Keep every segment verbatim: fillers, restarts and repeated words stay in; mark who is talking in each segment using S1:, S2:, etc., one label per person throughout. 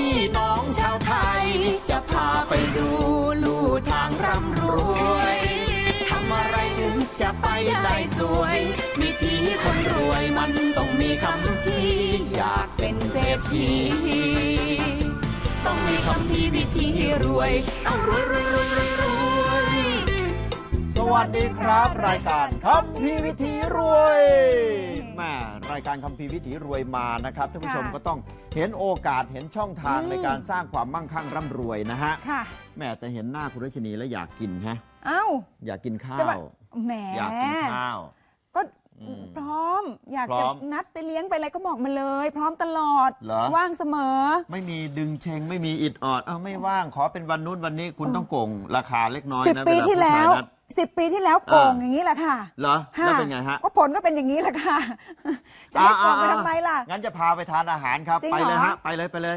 S1: พี่น้องชาวไทยจะพาไปดูลู่ทางร่ำรวยทำอะไรถึงจะไปได้สวยวิธีคนรวยมันต้องมีคำพี่อยากเป็นเศรษฐีต้องมีคำพี่วิธีรวยต้องรวยรวยรวยรวยรวย
S2: สวัสดีครับรายการคัมภีร์วิถีรวยแม่รายการคัมภีร์วิถีรวยมานะครับท่านผู้ชมก็ต้องเห็นโอกาสเห็นช่องทางในการสร้างความมั่งคั่งร่ำรวยนะฮะแม่แต่เห็นหน้าคุณรัชนีแล้วอยากกินฮะ
S3: เอ้า
S2: อยากกินข้า
S3: ว
S2: แหมอยากกินข้าว
S3: ก็พร้อมอยากจะนัดไปเลี้ยงไปอะไรก็บอกมาเลยพร้อมตลอดว่างเสมอไม่
S2: มีดึงเชงไม่มีอิดออดเอาไม่ว่างขอเป็นวันนู้นวันนี้คุณต้องโกงราคาเล็กน้อยนะ
S3: สิบปีที่แล้วสิบปีที่แล้วโกงอย่างนี้แหละค่ะ
S2: เหรอแล้วเป็นไงฮะ
S3: ก็ผลก็เป็นอย่างนี้แหละค่ะจะให้โกงไปทำไมล่ะ
S2: งั้นจะพาไปทานอาหารครับไปเลยฮะไปเลยไปเลย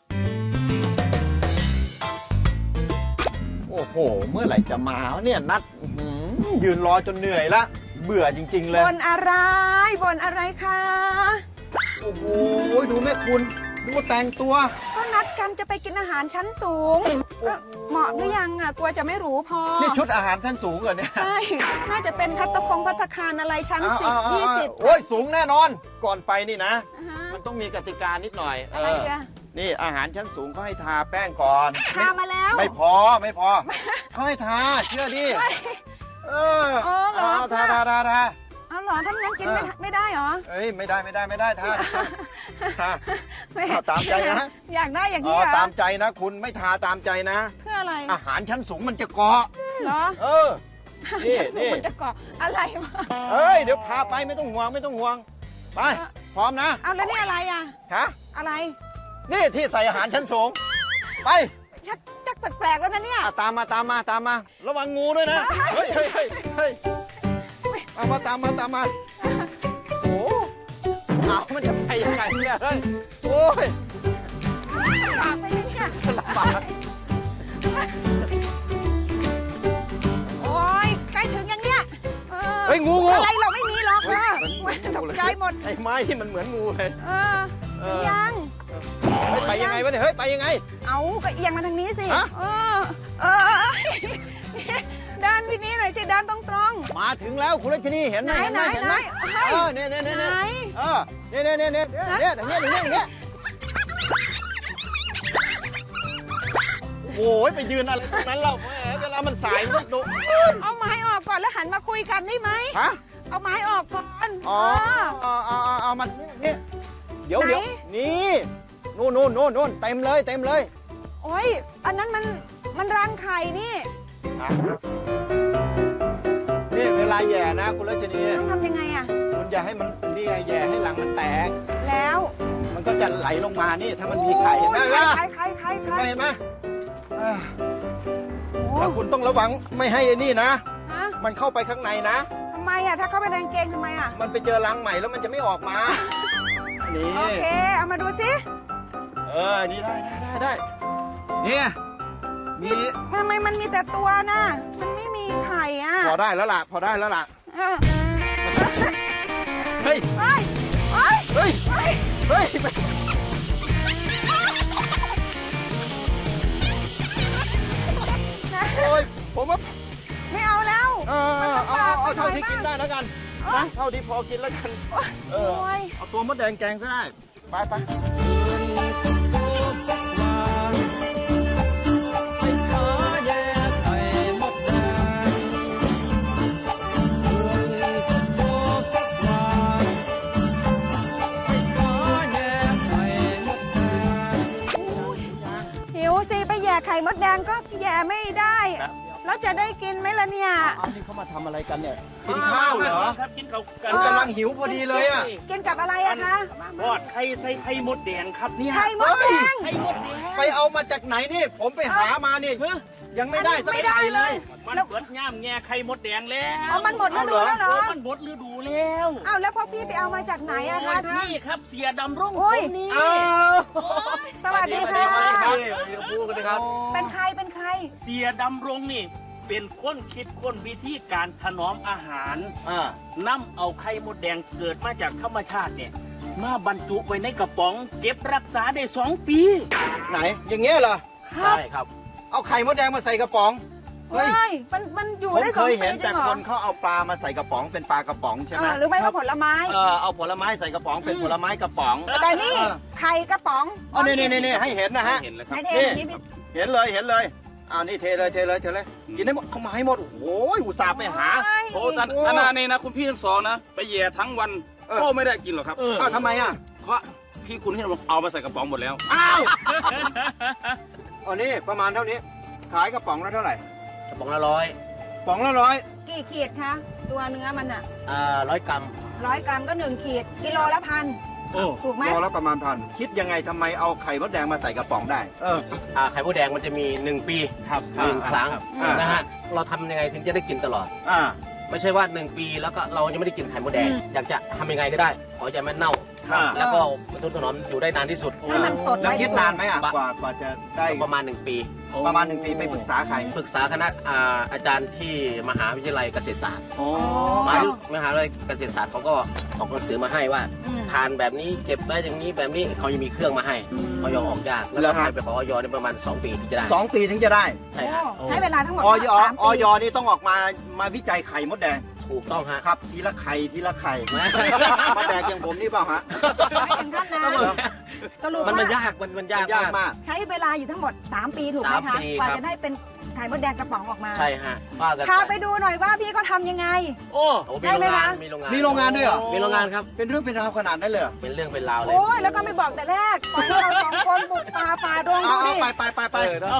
S2: โอ้โหเมื่อไหร่จะมาเนี่ยนัดยืนรอจนเหนื่อยละเบื่อจริงๆเลย
S3: บนอะไรบนอะไรคะ
S2: โอ้โหดูแม่คุณดูแต่งตัว
S3: ก็นัดกันจะไปกินอาหารชั้นสูงเหมาะหรือยังอ่ะกลัวจะไม่หรูพอ
S2: นี่ชุดอาหารชั้นสูงเหรอเนี่ย
S3: ใช่น่าจะเป็นภัตตาคงภัตตาคารอะไรชั้นสิบยี่สิบ
S2: โอ้ยสูงแน่นอนก่อนไปนี่นะมันต้องมีกติกานิดหน่อย
S3: อะไรอ่ะ
S2: นี่อาหารชั้นสูงเขาให้ทาแป้งก่อน
S3: ทามาแล้ว
S2: ไม่พอไม่พอเขาให้ทาเชื่อดิเออเอาทาทาทาทา
S3: เอาเหรอถ้างั้นกินไม่ไม่ได้เหรอ
S2: เอ้ยไม่ได้ไม่ได้ไม่ได้ทาทาตามใจนะ
S3: อยากได้อย่างนี้
S2: เหรอตามใจนะคุณไม่ทาตามใจนะ
S3: เพื่ออะไร
S2: อาหารชั้นสูงมันจะเกาะ
S3: เหรอ
S2: เออนี่นี่
S3: มันจะเกาะอะไรวะ
S2: เอ้ยเดี๋ยวพาไปไม่ต้องห่วงไม่ต้องห่วงไปพร้อมนะ
S3: เอาแล้วนี่อะไรอ่ะ
S2: ฮะ
S3: อะไร
S2: นี่ที่ใส่อาหารชั้นสูงไป
S3: ชักจักแปลกๆแล้วนะเนี่ย
S2: ตามมาตามมาตามมาระวังงูด้วยนะเฮ้ยเฮ้ยเฮ้ยเฮ้ยมามาตามมาตามมาโอ้เอามันจะไปยังไงเนี่ยเฮ้ยโอ้ย
S3: ลำบากไปเนี่ย
S2: ลำบาก
S3: โอ้ยใกล้ถึงยังเนี่ย
S2: เฮ้ยงูงู
S3: อะไรเราไม่มีหรอกนะตกใจหมด
S2: ไอ้ไม้ที่มันเหมือนงูเลย
S3: เออยัง
S2: ไปยังไงวะเนี่ยเฮ้ยไปยังไง
S3: เอาก็เอียงมาทางนี้สิเออเออด้านพี่นี้หน่อยสิด้านตรงตรง
S2: มาถึงแล้วคุณรัชนีเห็นไหม
S3: เห็นไหมเห็นไหม
S2: เออเนี่ยเนี่ยเนี่ยเออเนี่ยเนี่ยเนี่ยเนี่ยเนี่ยเนี่ยเนี่ยเนี่ยโอ้ยไปยืนอะไรตรงนั้นเราเวลามันสายมันดู
S3: เอาไม้ออกก่อนแล้วหันมาคุยกันได้ไหม
S2: ฮะ
S3: เอาไม้ออกก่อน
S2: อ๋อเอาเอาเอามันนี่เดี๋ยวเดี๋ยวนี่นู่นนู่นนู่นนู่นเต็มเลยเต็มเลย
S3: โอ้ยอันนั้นมันมันรังไข่นี่
S2: นี่เวลาแย่นะคุณรัชนี
S3: ต้องทำยังไงอ่ะ
S2: คุณอย่าให้มันนี่ไงแย่ให้หลังมันแตก
S3: แล้ว
S2: มันก็จะไหลลงมานี่ถ้ามันมีไข่เห็นไหม
S3: ไข่ไข่ไข่ไข่ไข่
S2: เห็นไหมแล้วคุณต้องระวังไม่ให้ไอ้นี่นะมันเข้าไปข้างในนะ
S3: ทำไมอ่ะถ้าเข้าไปในกางเกงทำไมอ่ะ
S2: มันไปเจอรังใหม่แล้วมันจะไม่ออกมานี่
S3: โอเคเอามาดูสิ
S2: เออนี่ได้ได้ได้นี่มี
S3: ทำไมมันมีแต่ตัวนะมันไม่มีไข่อ่ะ
S2: พอได้แล้วล่ะพอได้แล้วล่ะเฮ้ย
S3: เฮ้ยเฮ้ย
S2: เฮ้ยเฮ้ยโอ้ยผมว่า
S3: ไม่เอาแล้ว
S2: เออเอาเอาเท่าที่กินได้แล้วกันนะเท่าที่พอกินแล้วกันเออเอาตัวมดแดงแกงก็ได้ไปไป
S3: ไข่มดแดงก็แย่ไม่ได้แล้วจะได้กินไหมล่ะเนี่ย
S2: เอาที่เขามาทำอะไรกันเนี่ยกินข้าวเหรอ
S4: ครับกินข้าวกัน
S2: กำลังหิวพอดีเลยอ่ะ
S3: กินกับอะไรอะคะ
S4: ทอดไข่ใส่ไข่มดแดงครับเนี่ย
S3: ไข่มดแดง
S4: ไข่มดแดง
S2: ไปเอามาจากไหนนี่ผมไปหามานี่ยังไม่ได้สักไข่เลย
S4: มันเปิดย่ามแง่ไข่มดแดงแล้ว
S3: อ๋อมันหมดฤดูแล้วเหรอ
S4: มันหมดฤดูแล้ว
S3: อ้าวแล้วพ่อพี่ไปเอามาจากไหนอะคะ
S4: นี่ครับเสียดำร่งคนนี้
S3: สวัสดีค่ะเป็นใครเป็นใคร
S4: เสียดำรงนี่เป็นคนคิดคนวิธีการถนอมอาหารนำเอาไข่มดแดงเกิดมาจากธรรมชาติเนี่ยมาบรรจุไว้ในกระป๋อง เก็บรักษาได้สองปี
S2: ไหนอย่างเงี้ยเหรอ
S4: ใช่ครับ
S2: เอาไข่มดแดงมาใส่กระป๋องเฮ้ย
S3: ไม่มันมันอยู่
S2: ผม
S3: ได้ส
S2: เค
S3: อง
S2: ย
S3: ปี
S2: เห็น
S3: จริ
S2: แต่
S3: งเหรอ
S2: คนเขาเอาปลามาใส่กระป๋องเป็นปลากระป๋องใช่ไหม
S3: เออหรือไม่ก็ผลไม้
S2: เออเอาผลไม้ใส่กระป๋องเป็นผลไม้กระป๋อง
S3: แต่นี่
S2: เออ
S3: ไข่กระป๋อง
S2: อ๋อนี่นี่นี่ให้เห็นนะฮะ
S4: เห็นแล้วครับ
S3: ให้เท
S2: นี่
S3: อย่างนี้พี่
S2: เห็นเลยเห็นเลยอ้าวนี่เทเลยเทเลยเทเลยกินให้หมดเข้ามาให้หมดโอ้โหอุตส่าห์ไปหา
S5: โอ้ท่านท่านนานี่นะคุณพี่ทั้งสองนะ ไปแย่ทั้งวัน
S2: เออ
S5: ก็ไม่ได้กินหรอกครับ
S4: เออ
S2: อ้าวทำไมอ่ะ
S5: เพราะพี่คุณที่เอามาใส่กระป๋องหมดแล้ว
S2: อ้าวอ๋อนี่ประมาณเท่านี้ ขายกระป๋องละเท่าไหร่
S6: กระป๋องละร้อย
S2: ป๋องละร้อย
S3: กี่ขีดคะตัวเนื้อมันอ่ะ
S6: อ่าร้อยกรัม
S3: ร้อยกรัมก็หนึ่งขีดกิโลละพัน
S4: โอ้
S3: ถูกไหม
S2: โลละประมาณพันคิดยังไงทำไมเอาไข่มดแดงมาใส่กระป๋องได้ เออ
S6: อ่าไข่มดแดงมันจะมีหนึ่งปี
S4: ครับ
S6: หนึ่งครั้ง
S2: อ่าน
S6: นะฮะ เราทำยังไงถึงจะได้กินตลอด
S2: อ่า
S6: ไม่ใช่ว่าหนึ่งปีแล้วก็เราจะไม่ได้กินไข่มดแดง อยากจะทำยังไงก็ได้ขออย่ามันเน่า
S2: อ่า
S6: แล้วก็มันทุนถนอมอยู่ได้นานที่สุด
S3: ให้มันสด
S2: แล้ว
S3: ไว้
S2: คิด
S3: ที่สุ
S2: นานไหมอ่ะกว่ากว่าจะได้
S6: ประมาณหนึ่งปี
S2: ประมาณหนึ่งปีไปปรึกษาใคร
S6: ปรึกษาคณะอ่าอาจารย์ที่มหาวิทยาลัยเกษตรศาสตร์
S2: โอ้
S6: มหามหาวิทยาลัยเกษตรศาสตร์เขาก็ออกหนังสือมาให้ว่า
S3: อืม
S6: ทานแบบนี้เก็บไว้อย่างนี้แบบนี้เขาจะมีเครื่องมาให้เขายอออกยากแล้วก็ให้ไปขอออยในประมาณสองปีถึงจะได้
S2: สองปีถึงจะได้
S6: ใช่ครับ
S3: โอ้ใช้เวลาทั้งหมด
S2: ออย
S3: สาม
S2: อ
S3: ปี
S2: อยนี่ต้องออกมามาวิจัยไข่มดแดง
S6: ถูกต้องฮะ
S2: ครับทีละไข่ทีละไข่มาแดกอย่างผมนี่เปล่าฮะ
S3: ไม่ถึงขั้นนั้นสรุป
S6: มันมัน
S3: ว่าย
S6: ากมันมันยาก
S2: ยากมาก
S3: ใช้เวลาอยู่ทั้งหมด สามปีถูกไหม
S6: สาม
S3: คะ
S6: ปี
S3: กว่า
S6: ครับ
S3: จะได้เป็นไข่มดแดงกระป๋องออกมา
S6: ใช่ฮะว่ากัน
S3: พาไปดูหน่อยว่าพี่เขาทำยังไง
S4: โอ้
S6: โอ้มีโรงงานมีโรงงาน
S2: มีโรงงานด้วยเหรอ
S6: มีโรงงานครับ
S2: เป็นเรื่องเป็นราวขนาดนั้นเลยเหรอ
S6: เป็นเรื่องเป็นราวเลย
S3: โอ้ยแล้วก็ไม่บอกแต่แรกปล่อยให้เราสองคนบุกป่าฝ่าดง
S2: เอา
S3: ดู
S2: เอา
S3: ดิ
S2: ไปไปไปไป
S6: เออเนอะ
S4: เอา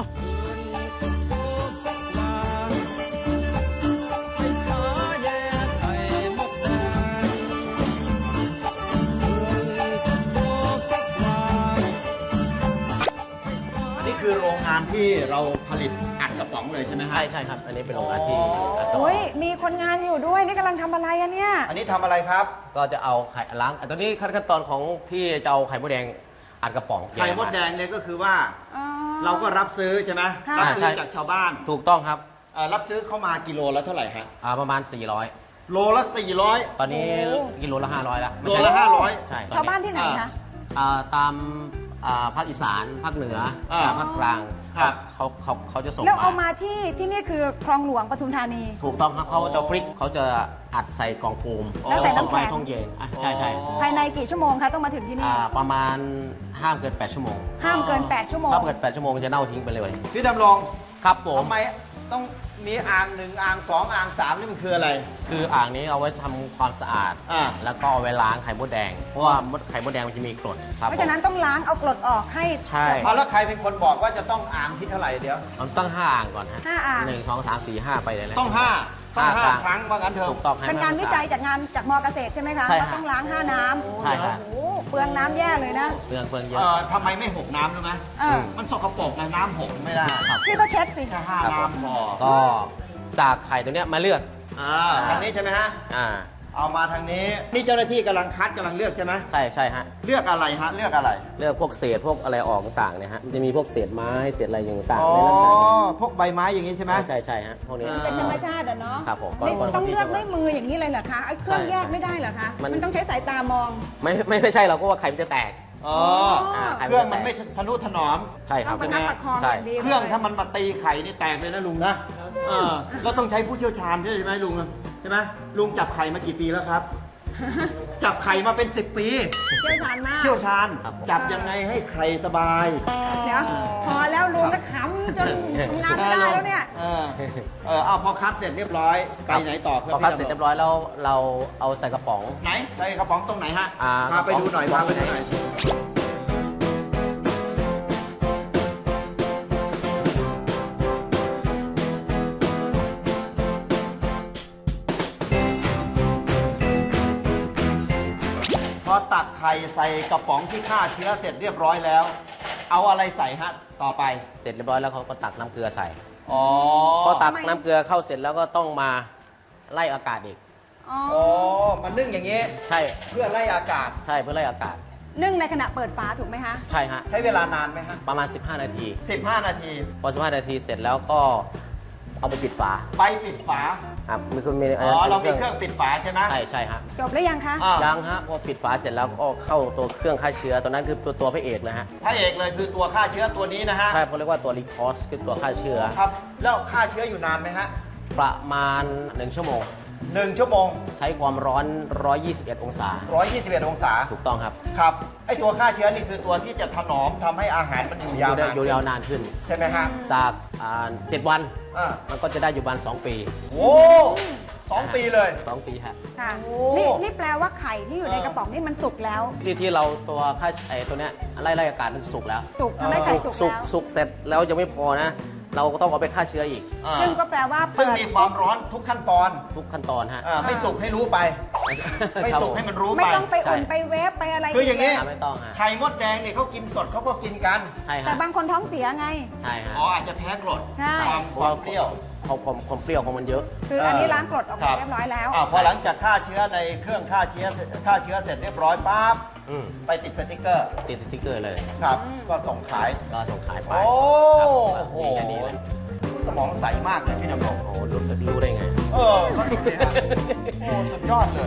S2: อันนี้คือโรงงานที่เราผลิตอัดกระป๋องเลยใช่ไหมฮะ
S6: ใช่ใช่ครับ อันนี้เป็นโรงงานที่อัดกระป๋อง
S3: โอ้ยมีคนงานอยู่ด้วยนี่กำลังทำอะไรอะเนี่ย
S2: อันนี้ทำอะไรครับ
S6: ก็จะเอาไข่ล้างอันตอนนี้ขั้นตอนของที่จะเอาไข่มดแดงอัดกระป๋อง
S2: ไข่มดแดงเนี่ยก็คือว่า
S3: อ๋อ
S2: เราก็รับซื้อใช่ไหม
S3: ค่ะ
S2: รับซื้อจากชาวบ้าน
S6: ถูกต้องครับ
S2: เอ่อรับซื้อเข้ามากิโลละเท่าไหร่ฮะ
S6: อ่าประมาณสี่ร้อย
S2: โลละสี่ร้อย
S6: ตอนนี้กิโลละห้าร้อยแล้วไม่
S2: โล
S6: ใช่
S2: ละห้าร้อย
S6: ใช่ตอ
S3: ชาวบ้านที่ไหนคะ
S6: อ่าตามอ่าภาคอีสานภาคเหนือ
S2: อ่า
S6: กับภาคกลาง
S2: ครับ
S6: เขาเขาเขาจะส่ง
S3: แล้วเอามาที่ที่นี่คือคลองหลวงปทุมธานี
S6: ถูกต้องครับเขาจะฟริกเขาจะอัดใส่กล่องโฟม
S3: แล้วใส่น้ำแข็ง
S6: ส่ไปห้องเย็นอ่ะใช่ใช่
S3: ภายในกี่ชั่วโมงคะต้องมาถึงที่นี่
S6: อ่าประมาณห้ามเกินแปดชั่วโมง
S3: ห้ามเกิน แปด ชั่วโมง
S6: ถ้าเกินแปดชั่วโมงจะเน่าทิ้งไปเลย
S2: พี่ดำรง
S6: ครับผม
S2: ทำไมต้องมีอ่างหนึ่งอ่างสองอ่างสามนี่มันคืออะไร
S6: คืออ่างนี้เอาไว้ทำความสะอาด
S2: อ่า
S6: แล้วก็เอาไว้ล้างไข่มดแดง เพราะว่ามดไข่มดแดงมันจะมีกรดครับ
S3: เพราะฉะนั้นต้องล้างเอากรดออกให้
S6: ใช่
S2: เอาแล้วใครเป็นคนบอกว่าจะต้องอ่างที่เท่าไหร่เดี๋ยว
S6: ผมต้องห้าอ่างก่อนฮะ
S3: ห้าอ่าง
S6: หนึ่งสองสามสี่ห้าไปเลยนะ
S2: ต้องห้าต้องห้า
S6: ห้า
S2: ครั้งว่างั้นเถอะ
S6: ถูกต้องให้
S3: เป็นการ
S6: มั
S3: วิจัยจากงานจากมอเกษตรใช่ไหมคะ
S6: ใช่ฮะ
S3: ว่าต้องล้างห้าน้ำ
S6: ใช่ฮะ
S3: โอ้โหเปลืองน้ำแย่เลยนะ
S6: เปลืองเปลืองเย
S2: เอ่
S6: อะ
S2: อทำไมไม่หกน้ำรู้ไหม
S3: เออ
S2: มันสกปรกนะน้ำหกไม่ได้ครับ
S3: พี่ก็เช็ดสิ
S2: แค่ห้า
S6: ครับผม
S2: น้ำพอ
S6: ก็จากไข่ตัวเนี้ยมาเลือก
S2: อ่าทางนี้ใช่ไหมฮะ
S6: อ่า
S2: เอามาทางนี้ นี่เจ้าหน้าที่กำลังคัดกำลังเลือกใช่ไหม
S6: ใช่ใช่ฮะ
S2: เลือกอะไรฮะ เลือกอะไร
S6: เลือกพวกเศษพวกอะไรออกต่างๆเนี่ยฮะมันจะมีพวกเศษไม้เศษอะไรอย่างต่าง
S2: อ๋อ
S6: ๆในลักษณะนี้
S2: พวกใบไม้อย่างนี้ใช่ไหม
S6: ใช่ใช่ฮะพวกนี้
S2: อ่า
S3: เป็นธรรมชาติอะเนาะ
S6: ครับผม
S3: นี่
S6: ก็
S3: ต้องเลือกด้วยมืออย่างนี้เลยเหรอคะไอ้เครื่อง
S6: ใช่
S3: แยกไม่ได้เหรอคะ
S6: มัน
S3: มันต้องใช้สายตามอง
S6: ไม่ไม่ไม่ใช่เราก็ว่าไข่มันจะแตก
S2: อ๋อ
S6: อ่าไข่
S2: เครื่อง
S6: จะ
S2: มัน
S6: แตก
S2: ไม่ทะนุถนอม
S6: ใช่ค
S3: ต้
S6: รั
S3: อบ งประคับประคอง
S6: ใช่
S3: อย่างดี
S2: เครื่องถ้ามันมาตีไข่นี่แตกเลยนะลุงนะเออแล้วต้องใช้ผู้เชี่ยวชาญใช่ไหมลุงใช่ไหมลุงจับไข่มากี่ปีแล้วครับ จับไข่มาเป็นสิบปี
S3: เชี่ยวชาญมาก
S2: เชี่ยวชาญ
S6: ครับผม
S2: จับยังไงให้ไข่สบาย
S3: เดี๋ยวพอแล้วลุงก็ขำจนทำงานไม่ได้แล้วเนี่ย
S2: เออเออเอาพอคัดเสร็จเรียบร้อยไปไหนต่อครับ
S6: พอคัดเสร็จเรียบร้อยแล้วเราเอาใส่กระป๋อง
S2: ไหนใส่กระป๋องตรงไหนฮะ
S6: อ่า
S2: พาไปดูหน่อย
S6: กระป๋
S2: พา
S6: อง
S2: ไปดูหน่อยพอตักไข่ใส่กระป๋องที่ฆ่าเชื้อเสร็จเรียบร้อยแล้ว เอาอะไรใส่ฮะต่อไป
S6: เสร็จเรียบร้อยแล้วเขาก็ตักน้ำเกลือใส่
S2: อ๋อ
S6: พอตัก
S3: ทำไม
S6: น้ำเกลือเข้าเสร็จแล้วก็ต้องมาไล่อากาศอีก
S3: อ๋อ
S2: อ๋อมันนึ่งอย่างนี้
S6: ใช่
S2: เพื่อไล่อากาศ
S6: ใช่เพื่อไล่อากาศ
S3: นึ่งในขณะเปิดฝาถูกไหมคะ
S6: ใช่ฮะ
S2: ใช้เวลานานไหมฮะ
S6: ประมาณ สิบห้า นาที
S2: สิบห้านาที
S6: พอ สิบห้า นาทีเสร็จแล้วก็เอาไปปิดฝา
S2: ไปปิดฝา
S6: ครับมีคนมี
S2: อ๋อเรามีเครื่องปิดฝาใช่ไหม
S6: ใช่ใช่ฮะ
S3: จบแล้วยังคะ
S2: อ่า
S6: ยังฮะพอปิดฝาเสร็จแล้วก็เข้าตัวเครื่องฆ่าเชื้อตัวนั้นคือตัวตัวพระเอกเลยฮะ
S2: พระเอกเลยคือตัวฆ่าเชื้อตัวนี้นะฮะ
S6: ใช่เขาเรียกว่าตัวรีคอสคือตัวฆ่าเชื้อ
S2: ครับแล้วฆ่าเชื้ออยู่นานไหมฮะ
S6: ประมาณหนึ่งชั่วโมง
S2: หนึ่งชั่วโมง
S6: ใช้ความร้อนหนึ่งร้อยยี่สิบเอ็ดองศา
S2: ร้อยยี่สิบเอ็ดองศา
S6: ถูกต้องครับ
S2: ครับไอตัวฆ่าเชื้อนี่คือตัวที่จะถนอมทำให้อาหารมันอยู่ยาว
S6: ได้
S2: นาน
S6: อยู่ยาวนานขึ้น
S2: ใช่ไหมฮะ
S6: จากอ่าเจ็ดวัน
S2: อ่า
S6: มันก็จะได้อยู่ประมาณสองปี
S2: โอ้สองปีเลย
S6: สองปีฮะ
S3: ค่ะ
S2: โอ้
S3: นี่นี่แปลว่าไข่ที่อยู่ในกระป๋องนี่มันสุกแล้ว
S6: ที่ที่เราตัวฆ่าไอ้ตัวเนี้ยไล่ไล่อากาศมันสุกแล้ว
S3: สุกทำให้ไข่สุก
S6: สุก
S3: แล้ว
S6: สุกเสร็จแล้วยังไม่พอนะ เราก็ต้องเอาไปฆ่าเชื้ออีก
S2: อ่า
S3: ซึ่งก็แปลว่า
S2: ซึ่ง
S3: เปิด
S2: มีความร้อนทุกขั้นตอน
S6: ทุกขั้นตอนฮะ
S2: อ่าไม่สุกให้รู้ไป ไม่สุกให้มันรู้
S3: ไม่
S2: ไป
S3: ต้องไปอุ่นไปเวฟไปอะไร
S2: คืออย่างนี้
S3: นี้
S6: อ่าไม่ต้องฮะ
S2: ไข่มดแดงเนี่ยเขากินสดเขาก็กินกัน
S6: ใช่
S3: แต่
S6: ฮะ
S3: บางคนท้องเสียไง
S6: ใช่ฮะ
S2: อ๋ออาจจะแพ้กรด
S3: ใช่
S2: ความความเปรี้ยว
S6: ความความความเปรี้ยวของมันเยอะ
S3: คืออันนี้ล้างกรดออก
S2: ครั
S3: มา
S2: บ
S3: เรียบร้อยแล้ว
S2: อ่าพอหลังจากฆ่าเชื้อในเครื่องฆ่าเชื้อฆ่าเชื้อเสร็จเรียบร้อยปั๊บ
S6: อืม
S2: ไปติดสติกเกอร์
S6: ติดสติ๊กเกอร์เลย
S2: ครับ ก็ส่งขาย
S6: ก็ส่งขายไป
S2: โอ้
S6: ครับ
S2: โห
S6: มีแค่นี้เลย
S2: สมองใสมากเลยพี่ดำรง
S6: โอ้โหรู้รู้ได้ไง
S2: เออก็ดูดีนะโอ้สุดยอดเลย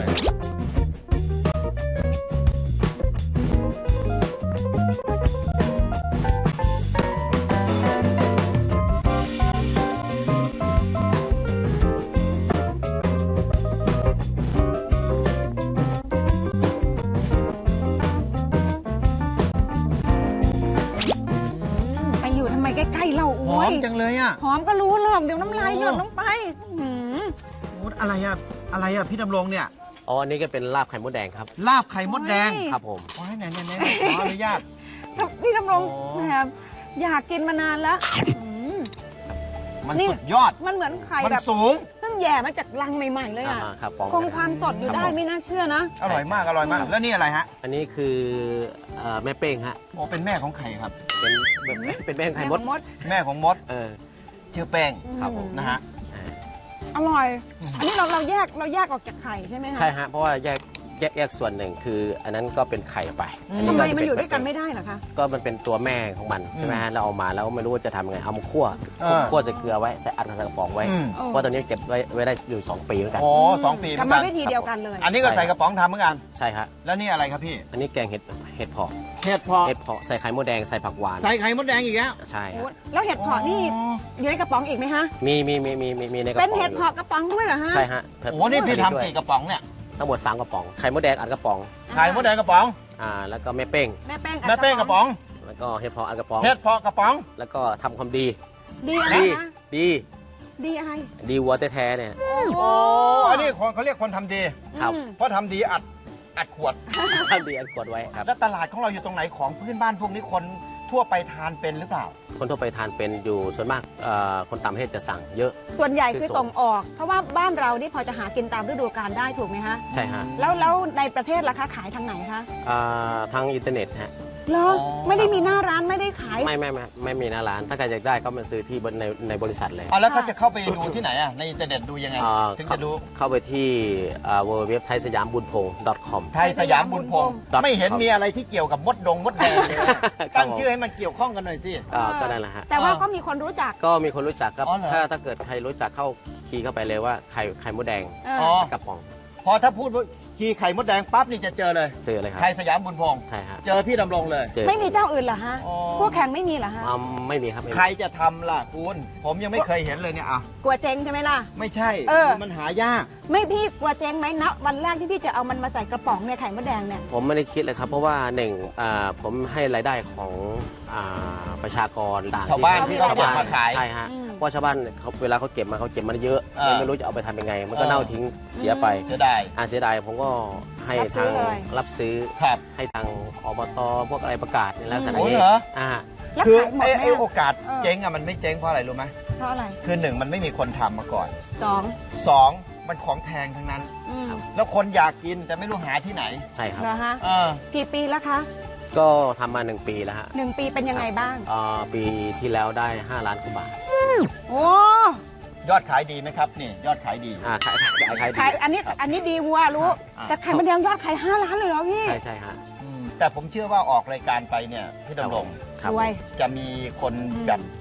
S3: ไปอยู่ทำไมใกล้ๆเรา
S2: ห
S3: อุ้
S2: อย มจังเลยอ่ะ
S3: หอมก็รู้หรอกเดี๋ยวน้ำลายหยดลงไปหืม
S2: โอ้อะไรอ่ะ อะไรอ่ะพี่ดำรงเนี่ย
S6: อ๋อ อันนี้ก็เป็นลาบไข่มดแดงครับ
S2: ลาบไข่มดแดง
S6: ครับผม
S2: โอ้ยไหนไหนไหนขออนุญาต
S3: นี่ทำรง
S2: โอ้
S3: แหมอยากกินมานานแล้วหืม
S2: มัน
S3: นี่
S2: สุดยอด
S3: มันเหมือนไข่
S2: มัน
S3: แบบ
S2: สูง
S3: เพิ่งแย่มาจากรังใหม่ๆเลยอ่ะ
S6: อ่าครับปอง
S3: คงความสดอยู่ได้ไม่น่าเชื่อนะ
S2: อร่อยมากอร่อยมาก แล้วนี่อะไรฮะ
S6: อันนี้คือเอ่อแม่เป้งฮะ
S2: โอ้เป็นแม่ของไข่ครับ
S6: เป็นแบบเป็นแม่งไข่มด
S3: มด
S2: แม่ของมด
S6: เออ
S2: ชื่อแป้ง
S6: ครับผม
S2: นะฮะ
S6: อ่า
S3: อร่อย
S2: อืม
S3: อันนี้เราเราแยกเราแยกออกจากไข่ใช่ไหมคะ
S6: ใช่ฮะ เพราะว่าแยกแยกแยกส่วนหนึ่งคือ อันนั้นก็เป็นไข่ไปอั
S3: ทำไม
S6: จะ
S3: มัน
S6: เป็
S3: อยู่ด้วยกัน
S6: แม่
S3: ไม่
S6: เป้ง
S3: ได้เหรอคะ
S6: ก็มันเป็นตัวแม่ของมันใช่ไหมฮะเราเอามาแล้วก็ไม่รู้ว่าจะทำยังไงเอามาคั่ว
S2: เออ
S6: คั่วใส่เกลือไว้ใส่อัดใส่กระป๋องไว้
S2: อืม
S3: โอ้
S6: เพราะตัวนี้เก็บไว้ไว้ได้อยู่สองปีเหมือนกัน
S2: โอ้สองปีเห
S3: กร
S2: มื
S3: ร
S2: อน
S3: ม
S2: กัน
S3: วิธีเดียวกันเลย
S2: อันนี้ก็ใส่กระป๋องทำเหมือนกัน
S6: ใช่ฮะ
S2: แล้วนี่อะไรครับพี่
S6: อันนี้แกงเห็ดเห็ดเผาะ
S2: เห็ดเพาะ
S6: เห็ดเผาะใส่ไข่มดแดงใส่ผักหวาน
S2: ใส่ไข่มดแดงอีกแล้ว
S6: ใช่
S3: โอ้
S6: ฮะ
S3: แล้วเห็ดเผาะนี่อยู่ในกระป๋องอีกไหมฮะ
S6: มีมีมีมีมีมีในกระป๋
S3: เป็
S6: อน ง
S3: เห็ดเผาะกระป๋องด้วยเหรอฮะ
S6: ใช่ฮะ
S2: โอ้นี่พี่ทำกี่กระป๋องเนี่ย
S6: ทั้งหมดสามกระป๋องไข่มดแดงอัดกระป๋อง
S2: ไข่มดแดงกระป๋อง
S6: อ่าแล้วก็แม่เป้ง
S3: แม่แป้งอัด
S2: แม่เป้งกระป๋อง
S6: แล้วก็เห็ดเผาะอัดกระป๋อง
S2: เห็ดเพาะกระป๋อง
S6: แล้วก็ทำความดี
S3: ดีอะไร
S6: ดี
S3: นะ
S6: ดี
S3: ดีอะไร
S6: ดีวัวแท้ๆเนี่ย
S2: โอ้อันนี้คนเขาเรียกคนทำดี
S6: ครับ
S3: อืม
S2: เพราะทำดีอัดอัดขวด
S6: ทำดีอัดกดไว้ครับ
S2: แล้วตลาดของเราอยู่ตรงไหนของพื้นบ้านพวกนี้คนทั่วไปทานเป็นหรือเปล่า
S6: คนทั่วไปทานเป็นอยู่ส่วนมากเอ่อคนต่างประเทศจะสั่งเยอะ
S3: ส่วนใหญ่คือ
S6: คือส่ง
S3: ส่งออก เพราะว่าบ้านเรานี่พอจะหากินตามฤดูกาลได้ถูกไหมฮะ
S6: ใช่ฮะ
S3: แล้วแล้วในประเทศราคาขายทางไหนคะ
S6: อ่าทางอินเทอร์เน็ตฮะ
S3: เหรอ
S2: อ๋อ
S3: ไม่ได้มีหน้าร้านไม่ได้ขาย
S6: ไม่ไม่ไม่ไม่มีหน้าร้าน ถ้าใครอยากได้ก็มาซื้อที่บนในในบริษัทเลย
S2: อ่ะแล้วเขาจะเข้าไปดูที่ไหนอ่ะในอินเทอร์เน็ตดูยังไง
S6: อ่า
S2: ถึง
S6: เข้า
S2: จะรู้
S6: เข้าไปที่เว็บไว็บไทยสยามบุญพงศ์ .com
S2: ไทยสยามบุญพงศ์
S6: ครับ
S2: ไม่เห็นมีอะไรที่เกี่ยวกับมดดงมดแดงเลย
S6: ครับ
S2: ตั้งชื่อให้มันเกี่ยวข้องกันหน่อยสิ
S6: อ่าก็นั่นแหละฮะ
S3: แต่ว่า
S2: อ่า
S3: ก็มีคนรู้จัก
S6: ก็มีคนรู้จักครับ
S2: อ๋อเหรอ
S6: ถ้าถ้าเกิดใครรู้จักเข้าคีย์เข้าไปเลยว่าไข่ไข่มดแดง
S3: เออ
S2: อ๋อ
S6: กระป๋อง
S2: พอถ้าพูดว่าคีย์ไข่มดแดงปั๊บนี่จะเจอเลย
S6: เจอเลยครับ
S2: ไทยสยามบุญพงศ์
S6: ใช่ฮะ
S2: เจอพี่ดำรงเลย
S6: เจอ
S3: ไม่มีเจ้าอื่นเหรอฮะ
S2: อ๋อ
S3: พวกแข่งไม่มีเหรอฮะ
S6: อ่าไม่มีครับไม่มี
S2: ใครจะทำล่ะคุณผมยังไม่เคยเห็นเลยเนี่ยอ่ะ
S3: กลัวเจ๊งใช่ไหมล่ะ
S2: ไม่ใช่
S3: เออ
S2: มันหายาก
S3: ไม่พี่กลัวเจ๊งไหมนะวันแรกที่พี่จะเอามันมาใส่กระป๋องเนี่ยไข่มดแดงเนี่ย
S6: ผมไม่ได้คิดเลยครับ เพราะว่าหนึ่งอ่าผมให้รายได้ของอ่าประชากรต่าง
S2: ชาวบ้าน
S6: ที่
S2: ที่เขาเก็บมาขาย
S6: ใช่ฮะ
S3: อืม
S6: เพราะชาวบ้านเขาเวลาเขาเก็บมาเขาเก็บมาเยอะ
S2: เออ
S6: ไม่รู้จะเอาไปทำยังไง มันก็
S2: เออ
S6: เน่าทิ้งเสียไป
S2: เสียดาย
S6: อ่าเสียดายผมก็ให้
S3: รับซื้
S6: ทา
S3: อง เลย
S6: รับซื้อ
S2: ครับ
S6: ให้ทางอบตพวกอะไรประกาศในลักษณะ
S2: โอ้
S6: นี้
S2: เหรอ
S6: อ่า
S3: แล้ว
S2: คือ
S3: ขายหมด
S2: ไอ้
S3: ไหม
S2: ไอ้
S3: อะ
S2: โอกาส
S3: เออ
S2: เจ๊งอ่ะมันไม่เจ๊งเพราะอะไรรู้ไหม
S3: เพราะอะไร
S2: คือหนึ่งมันไม่มีคนทำมาก่อน
S3: สอง
S2: สองมันของแพงทั้งนั้น
S3: อืม
S2: แล้วคนอยากกินแต่ไม่รู้หาที่ไหน
S6: ใช่ครับ
S3: เหรอฮะ
S2: เออ
S3: กี่ปีแล้วคะ
S6: ก็ทำมาหนึ่งปีแล้วฮะ
S3: หนึ่งปีเป็นยังไงบ้าง
S6: อ่าปีที่แล้วได้ห้าล้านกว่าบาท
S3: โอ้
S2: ยอดขายดีไหมครับนี่ยอดขายดี
S6: อ่าขายขายขายดี
S3: ขายอันนี้อันนี้ดีวัวรู้
S2: อ่า
S3: แต่ไข่มดแดงยอดขายห้าล้านเลยเหรอพี่
S6: ใช่ใช่ฮะ
S2: อืมแต่ผมเชื่อว่าออกรายการไปเนี่ยพี่ดำรง
S6: ครับ
S3: รวย
S2: จะมีคนแบบ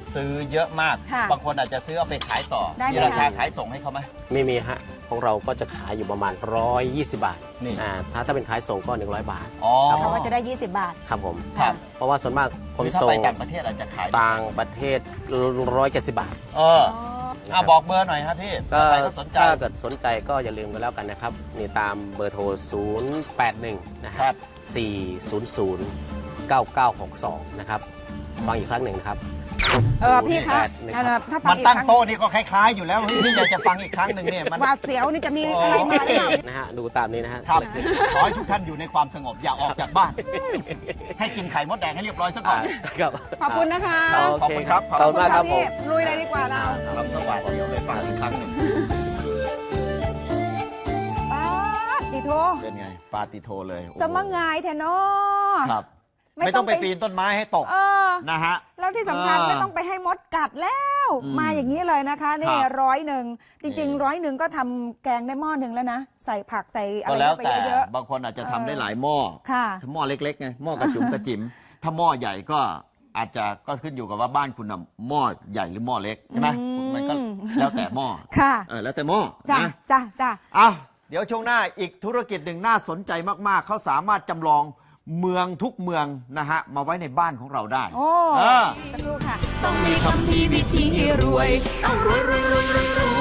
S2: ซื้อเยอะมาก
S3: ค่ะ
S2: บางคนอาจจะซื้อเอาไปขายต่อ
S3: ได้ไหม
S2: มีราคา
S3: คะ
S2: ขายส่งให้เขาไหม
S6: ไม่มีฮะของเราก็จะขายอยู่ประมาณหนึ่งร้อยยี่สิบบาท
S2: นี่
S6: อ่าถ้าถ้าเป็นขายส่งก็หนึ่งร้อยบาท
S2: อ๋อ
S3: เขาก็จะได้ ยี่สิบบาท
S6: ครับผม
S2: ครับ
S6: เพราะว่าส่วนมากคน
S2: คือถ้า
S6: ส่ง
S2: ไปต่างประเทศอาจจะขาย
S6: ต่างประเทศร้อยเจ็ดสิบบาท
S2: เอออ่ะบอกเบอร์หน่อยครับพี่
S6: ก็
S2: ใครก็สนใจ
S6: ถ้าเกิดสนใจก็อย่าลืมกันแล้วกันนะครับนี่ตามเบอร์โทร ศูนย์ แปด หนึ่ง นะค
S2: ครั
S6: รับ บ สี่ ศูนย์ ศูนย์ เก้า เก้า หก สอง นะครับฟังอีกครั้งหนึ่งนะครับ
S3: เออพี่คะ
S6: ศูนย์แปดหนึ่ง
S3: อัน
S6: ค
S3: นั้
S6: รั
S3: น
S6: บ
S3: ถ้าฟั
S2: มั
S3: ง
S2: น
S3: อีก
S2: ตั้ง
S3: ครั้ง
S2: โต๊ะนี่ก็คล้ายๆอยู่แล้วพี่อยากจะฟังอีกครั้งหนึ่งเนี่ยมัน
S3: หวาดเสียวนี่จะมีอะไรมาหรือเปล่า
S6: นะฮะดูตามนี้นะฮะ
S2: ครับขอให้ทุกท่านอยู่ในความสงบอย่าออกจากบ้าน ให้กินไข่มดแดงให้เรียบร้อยซะก่อ
S6: อ่าน ครับ
S3: ขอบคุณนะคะ
S6: โอ
S2: ขอบ
S6: เค
S2: คุณ
S6: ค
S2: ครั
S6: รับบ ขอบคุณมากครับผม
S3: พี่ลุยเลยดีกว่าเรา
S2: ทำสวัสดิ์เดียวเลยฟังอีกครั้งหนึ่ง
S3: ป๊าดติโท
S2: เป็นไงปาติโทเลยโอ้โห
S3: สมังงายแทนอ
S2: ครับ
S3: ไม่
S2: ไม่
S3: ต้
S2: ต้
S3: อ
S2: อง งไป
S3: ไป
S2: ปีนต้นไม้ให้ตก
S3: เออ
S2: นะฮะ
S3: แล้วที่สำคัญ
S2: อ่า
S3: ไม่ต้องไปให้มดกัดแล้ว
S2: อืม
S3: มาอย่างนี้เลยนะคะนี่
S2: ครับ
S3: ร้อยหนึ่งจริง
S2: นี่
S3: ๆ ร้อยหนึ่งก็ทำแกงได้หม้อหนึ่งแล้วนะ ใส่ผักใส่อะ
S2: ก็
S3: ไร
S2: แล้ว
S3: ไป
S2: แต่
S3: เยอะ
S2: บางคนอาจจะ
S3: เออ
S2: ทำได้หลายหม้อ
S3: ๆค่ะ
S2: ถ้าหม้อเล็กๆไงหม้อกระจุ๋มกระจิ๋มถ้าหม้อใหญ่ก็อาจจะก็ขึ้นอยู่กับว่าบ้านคุณน่ะหม้อใหญ่หรือหม้อเล็กใช่ไหม
S3: อืม
S2: มันก็แล้วแต่หม้อ
S3: ค่ะ
S2: เออแล้วแต่หม้อ
S3: จ้ะ
S2: นะ
S3: จ้ะจ้ะ
S2: อ่ะเดี๋ยวช่วงหน้าอีกธุรกิจหนึ่งน่าสนใจมากๆ เขาสามารถจำลองเมืองทุกเมืองนะฮะมาไว้ในบ้านของเราได้
S3: โอ้
S2: เออ
S3: สักครู่ค่ะ
S1: ต้องมีคำพีวิธีรวย ต้องรวยรวยรวยรวยรวย